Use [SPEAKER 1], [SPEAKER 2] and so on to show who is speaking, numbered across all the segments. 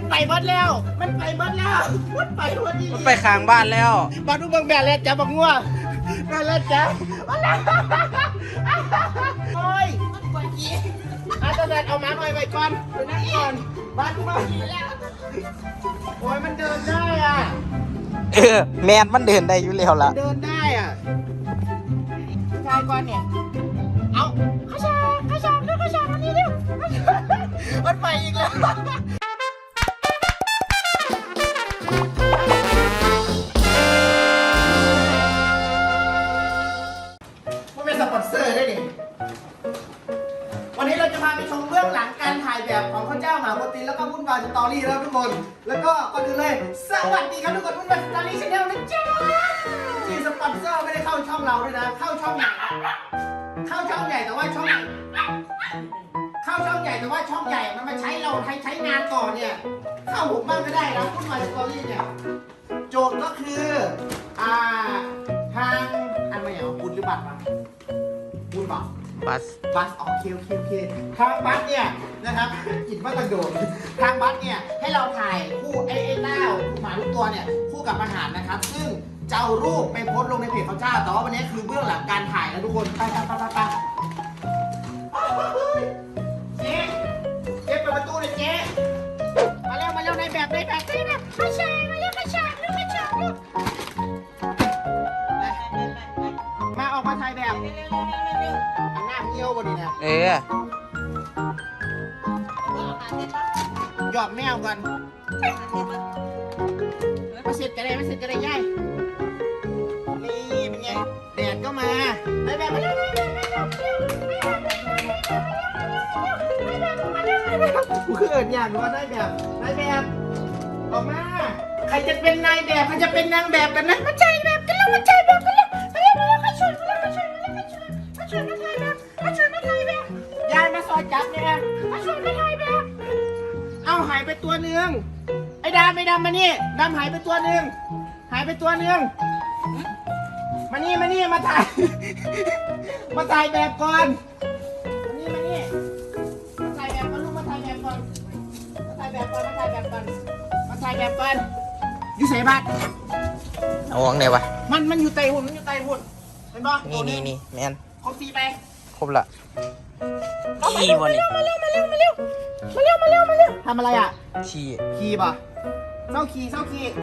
[SPEAKER 1] ไปหมดแล้วมันไปหมดแล้วมันไปหมดนี่
[SPEAKER 2] มันไปข้างบ้านแล้ว
[SPEAKER 1] บ้านทุกเมืองแม่แล้วจ้าบักงัวแม่แล้วจ้าโอ้ยมันปวดขี้อาจารย์เอาหมาหน่อยไปก่อนไปนั่งก่อนบ้านทุกเมืองโอ้ยมันเดินได้อ่ะ
[SPEAKER 2] แมนมันเดินได้อยู่แล้วล่ะ
[SPEAKER 1] เดินได้อ่ะชายก่อนเนี่ยเอาข้าชากเร็วข้าชากอันนี้เร็วมันไปอีกแล้วมันเป็นสปอนเซอร์ได้ดิวันนี้เราจะพาไปชมเบื้องหลังการถ่ายแบบของข้าเจ้าหมาโปรตีนแล้วก็วุ่นวายสตอรี่แล้วทุกคนแล้วก็ก่อนอื่นเลยสวัสดีครับทุกคนวุ่นวายสตอรี่ชาแนลนะจ๊ะที่สปอนเซอร์ไม่ได้เข้าช่องเราด้วยนะเข้าช่องใหญ่แต่ว่าช่องใหญ่แต่ว่าช่องใหญ่มันมาใช้เราใช้งานต่อเนี่ยเข้าผมบ้างก็ได้นะวุ่นวายสตอรี่เนี่ยโจทย์ก็คือทางอันไม่เอาบุญหรือบัตรมาบุญบัตรบัสโอเคทางบัสเนี่ยนะครับกินว่าตังโดดทางบัสเนี่ยให้เราถ่ายคู่ไอ้เต้าหมาทุกตัวเนี่ยคู่กับอาหารนะครับซึ่งจะเอารูปไปโพสต์ลงในเพจเขาเจ้าแต่ว่าวันนี้คือเบื้องหลังการถ่ายนะทุกคนไปเจ๊เปิดประตูเลยเจ๊มาเร็วในแบบข้าชายมาเร็วข้าชายมาออกมาถ่ายแบบอันหน้าเยี่ยวบนนี้นะหยอดแมวก่อนมาเสร็จกันได้ย่ายนี่เป็นไงแดดก็มาได้แบบมาเร็วกูคือเอิญอย่างว่าได้แบบออกมาใครจะเป็นนายแบบใครจะเป็นนางแบบกันนะมาใจแบบกันแล้วมาช่วยมาถ่ายแบบยายมาซอยจับเนี่ยมาช่วยมาถ่ายแบบเอาหายไปตัวหนึ่งไอ้ดำมานี่ดำหายไปตัวหนึ่งมานี่มาถ่ายมาถ่ายแบบก่อนมานี่มาถ่ายแบบก่อนลูกมาถ่ายแบบก่อนอยู่ใส่บัตร
[SPEAKER 2] เอาวางไหนวะ
[SPEAKER 1] มันอยู่ไตหุ่นเป็นบ่
[SPEAKER 2] นี่แมน
[SPEAKER 1] ครบ4ไป
[SPEAKER 2] ครบละขี้วันนี้
[SPEAKER 1] มาเร็วทำอะไรอ่ะขี้ป่ะเศร้าขี้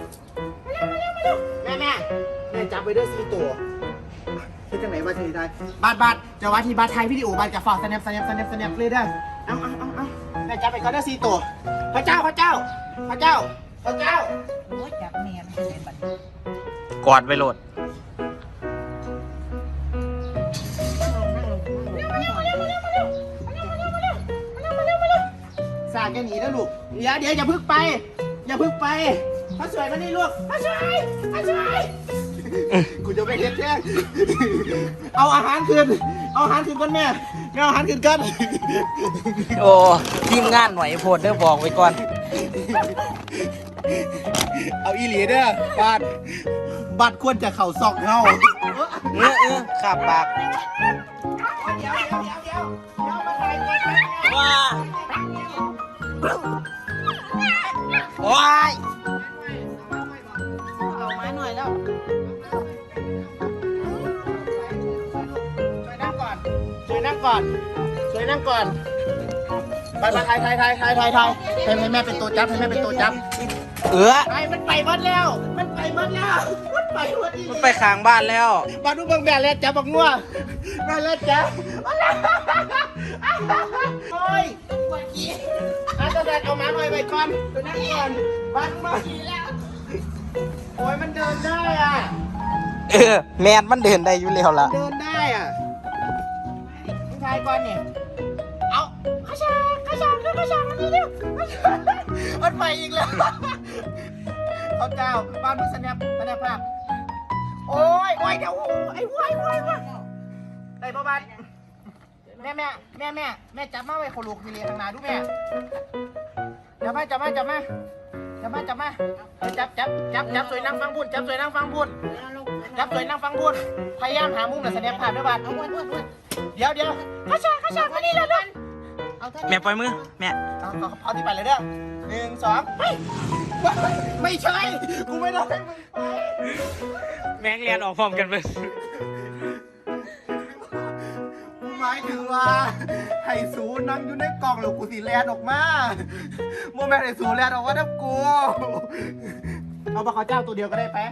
[SPEAKER 1] แม่จับไปด้วย4ตัวคิดจังไหนว่าจะได้บัตรจะว่าที่บัตรไทยวิดีโอบัตรจะฝากสแนปเลยได้เอาแม่จับไปก่อนได้4ตัวพระเจ้าโอ้ยจับแม่ไม่ได้บัตร
[SPEAKER 2] กอดไปโหลด
[SPEAKER 1] สาดกันหนีนะลูกเดี๋ยวอย่าพึ่งไปพระสวยมานี่ลูกพระสวยกูจะไปเฮ็ดแท้เอาอาหารคืนก่อนแม่เอาอาหารคืนกัน
[SPEAKER 2] โอ้ทีมงานหน่อยโพดเด้อบอกไว้ก่อน
[SPEAKER 1] เอาอีหลีเด้อบัตรควรจะเข่าซอกเฮา
[SPEAKER 2] ขับปาก
[SPEAKER 1] เดี๋ยวมาถ่ายก่อน
[SPEAKER 2] ว้าว้าย
[SPEAKER 1] เอาไม้หน่อยแล้วช่วยนั่งก่อนไปถ่ายให้แม่เป็นตัวจับไอ้มันไปหมดแล้วมันไปหมดนี่
[SPEAKER 2] มันไปข้างบ้านแล้ว
[SPEAKER 1] บ้านทุกเมืองแม่แล้วจ้าบักงัวแม่แล้วจ้าโอ้ยปวดขี้อาจารย์เอาหมาหน่อยไปก่อนไปนั่งก่อนบ้านทุกเมืองโอ้ยมันเดินได้อ่ะ
[SPEAKER 2] แมนมันเดินได้อยู่แล้วล่ะ
[SPEAKER 1] เดินได้อ่ะชายก่อนเนี่ยเอาข้าชากอันนี้เร็วมันไปอีกแล้วเขาเจ้าบ้านมึงสแนปภาพโอ้ยเดี๋ยวไอ้วายได้ประมาณแม่จับมาไว้ขลุกทีเรียทางนาดูแม่จับมาจับสวยนั่งฟังบุญพยายามหามุมกับสแนปภาพด้วยบ้านเดี๋ยวข้าชากมานี่เลย
[SPEAKER 3] เอาเท่า
[SPEAKER 2] แม่
[SPEAKER 3] นี้
[SPEAKER 2] ปล่อยมือแม่
[SPEAKER 1] เอาที่ไปเลยเด้อ1 2ไม่ใช่กูไม่ได้ให้มึงไป
[SPEAKER 2] แม่งเรียนออกพร้อมกันเลย
[SPEAKER 1] กูหมายถึงว่าให้สูนั่งอยู่ในกล่องแล้วกูสิแลนออกมาโมแม่ให้สูแลนออกมาดับกูเอาปลาขาวเจ้าตัวเดียวก็ได้ไป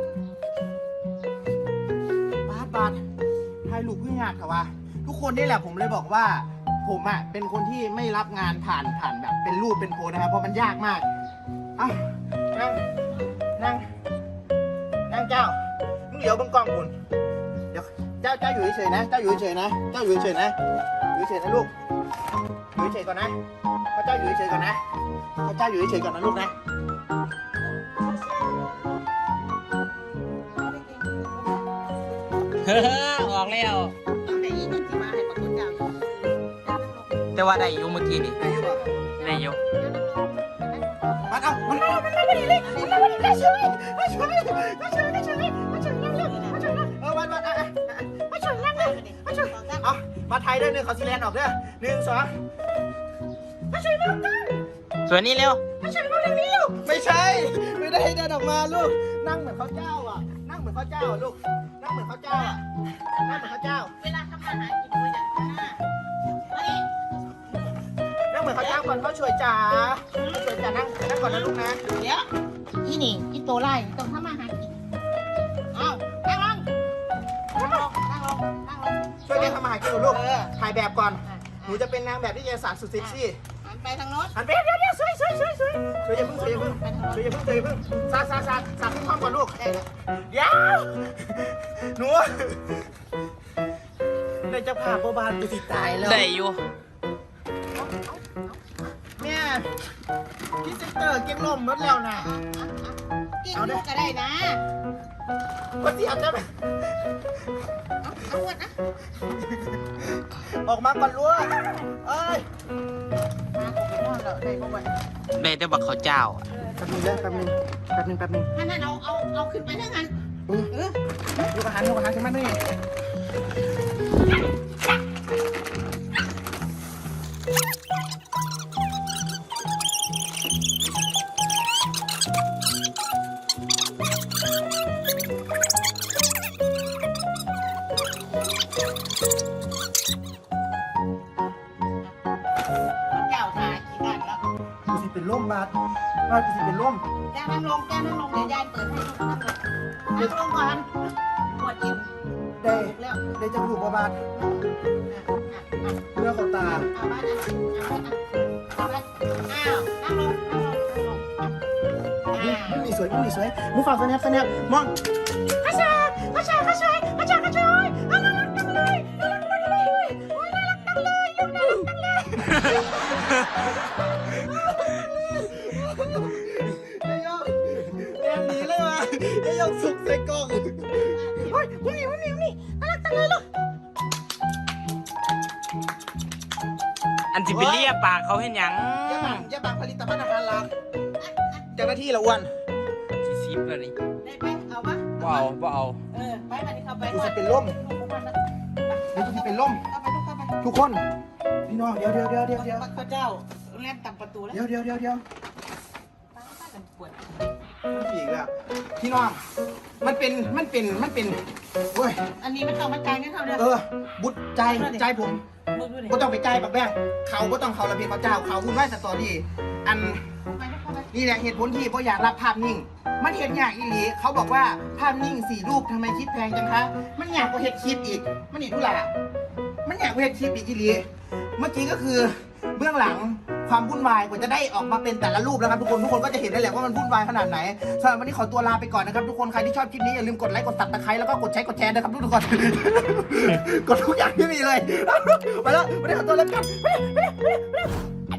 [SPEAKER 1] บาทให้ลูกพึ่งงานค่ะว่าทุกคนนี่แหละผมเลยบอกว่าผมอ่ะเป็นคนที่ไม่รับงานผ่านแบบเป็นรูปเป็นโพสนะครับเพราะมันยากมากอ่ะนั่งเจ้ามึงเดี๋ยวเบังกล้องคุณเดี๋ยวเจ้าอยู่เฉยๆนะเจ้าอยู่เฉยๆนะเจ้าอยู่เฉยๆนะอยู่เฉยๆนะลูกอยู่เฉยๆก่อนนะพระเจ้าอยู่เฉยๆก่อนนะพระเจ้าอยู่เฉยๆก่อนนะลูกนะ
[SPEAKER 2] เฮ้อออกแล้ว
[SPEAKER 3] เอาไหนอีกที่มาให้ปรากฏเจ้า
[SPEAKER 2] แต่ว่าได้อยู่เมื่อกี้นี่
[SPEAKER 1] ได้อยู่ป่ะ
[SPEAKER 2] ได้อยู่
[SPEAKER 1] มันเอามันมาพอดีเลยช่วยวันมาช่วยนั่งเลยมาช่วยเอามาไทยด้วย1ขอซีแลนด์ออกเด้อ1 2มาช่วยน้องกัน
[SPEAKER 2] ส่วนนี้เร็ว
[SPEAKER 1] มาช่วยน้องทางนี้ลูกไม่ใช่ไม่ได้เดินออกมาลูกนั่งเหมือนเขาเจ้าอ่ะนั่งเหมือนเขาเจ้าอ่ะลูกนั่งเหมือนเขาเจ้าอ่ะนั่งเหมือนเขาเจ้า
[SPEAKER 3] เวลาทำอาหารกินด้วยอย่างนั้นนะเฮ้ย
[SPEAKER 1] นั่งเหมือนเขาเจ้าก่อนเขาช่วยจ๋าช่วยจ๋านั่งก่อนนะลูกนะ
[SPEAKER 3] เดี๋ยวอีนี่อีโตไล่ต้องทำอาหารกินเอานั่งลง
[SPEAKER 1] ช่วยกันทำอาหารกินลูกถ่ายแบบก่อนหนูจะเป็นนางแบบที่จะสารสุดเซ็กซี่
[SPEAKER 3] หันไปทางโน้น
[SPEAKER 1] หันไปเดี๋ยวสวยอย่าเพิ่งสาขึ้นห้องก่อนลูกเดี๋ยวหนูในจะพาพ่อบานไปสิตายแล้ว
[SPEAKER 2] ได้อยู่
[SPEAKER 1] เนี่ยพี่เซนเตอร์เก็บลมหมดแล้วนะ
[SPEAKER 3] กินลูกก็ได้นะ
[SPEAKER 1] ก็เสียบได้ไหม
[SPEAKER 3] เอาวดนะ
[SPEAKER 1] ออกมาก่อนลูกเอ้ย
[SPEAKER 3] มาผมไปนอนแล้วได้บ่วัน
[SPEAKER 2] ได้แต่บักเขาวเจ้า
[SPEAKER 1] แป๊บนึง
[SPEAKER 3] ถ้านั้นเอาขึ้นไปทั้งนั้นเออ
[SPEAKER 1] ลูกอาหารใช่ไหมนี่
[SPEAKER 3] เจ้าทากี่ด้านแล้ว
[SPEAKER 1] กูสิเป็นล่มบาดกูสิเป็นล่ม
[SPEAKER 3] แจ้นั่งลงเดี๋ยวยายเปิดให้นั่งลงก่อนปวดกิน
[SPEAKER 1] ได้
[SPEAKER 3] ถูกแล้ว
[SPEAKER 1] ได้จะถูกบาดเมื่อเขาตา
[SPEAKER 3] เอาบ้านนะเอาบ้านอ้าวนั่งลง
[SPEAKER 1] มึงมีสวยมึงฝากสแนปมองข้าชายน่ารักจังเลยโอ้ยน่ารักจังเลยลูกน่ารักจังเลยไอ้ยกแอบหนีเลยว่ะไอ้ยกสุกใส่กล่องเฮ้ยมึงหนีน่ารักจังเลยลูก
[SPEAKER 2] อันสิไปเลียปากเขาเห็นหยัง
[SPEAKER 1] อย่าบังผลิตภัณฑ์อาหารหลักเจ้าหน้าที่ละอ้วน
[SPEAKER 2] สิซิบแล้วนี่
[SPEAKER 3] ได้ไหมเอาปะ
[SPEAKER 2] บ่เอา
[SPEAKER 3] ไปมาดิเข้าไป
[SPEAKER 1] กูจะเป็นล่มกูจะเป็นล่ม
[SPEAKER 3] เข้าไปเข้าไป
[SPEAKER 1] ทุกคนพี่น้องเดี๋ยว
[SPEAKER 3] พระเจ้าเล่นตับประตูแล้ว
[SPEAKER 1] เดี๋ยว
[SPEAKER 3] ป้ากันปวด
[SPEAKER 1] อีกแล้วพี่น้องมันเป็นเว้ย
[SPEAKER 3] อันนี้มันต้องมาจ่ายเงินเขาเด้อ
[SPEAKER 1] บุตรใจผม
[SPEAKER 3] มึงดูดิ
[SPEAKER 1] ก็ต้องไปใจปักแบงเขาก็ต้องเขาระเบียบเขาเจ้าเขาวุ่นวายสตอรี่อัน
[SPEAKER 3] เข้าไป
[SPEAKER 1] นี่แหละเหตุผลที่พ่ออยากรับภาพนิ่ง มันเห็นยากอีหลีเขาบอกว่าภาพนิ่ง4 รูปทำไมคิดแพงจังคะมันยากกว่าเห็ดคลิปอีกมันอีกทุล่ะมันยากกว่าเห็ดคลิปอีกอีหลีเมื่อกี้ก็คือเบื้องหลังความวุ่นวายกว่าจะได้ออกมาเป็นแต่ละรูปนะครับทุกคนก็จะเห็นได้แหละว่ามันวุ่นวายขนาดไหนสำหรับวันนี้ขอตัวลาไปก่อนนะครับทุกคนใครที่ชอบคลิปนี้อย่าลืมกดไลค์กดซับสไครต์แล้วก็กดแชร์นะครับทุกคน กดทุกอย่างที่มีเลยไปแล้ววันนี้ขอตัวลาไปก่อน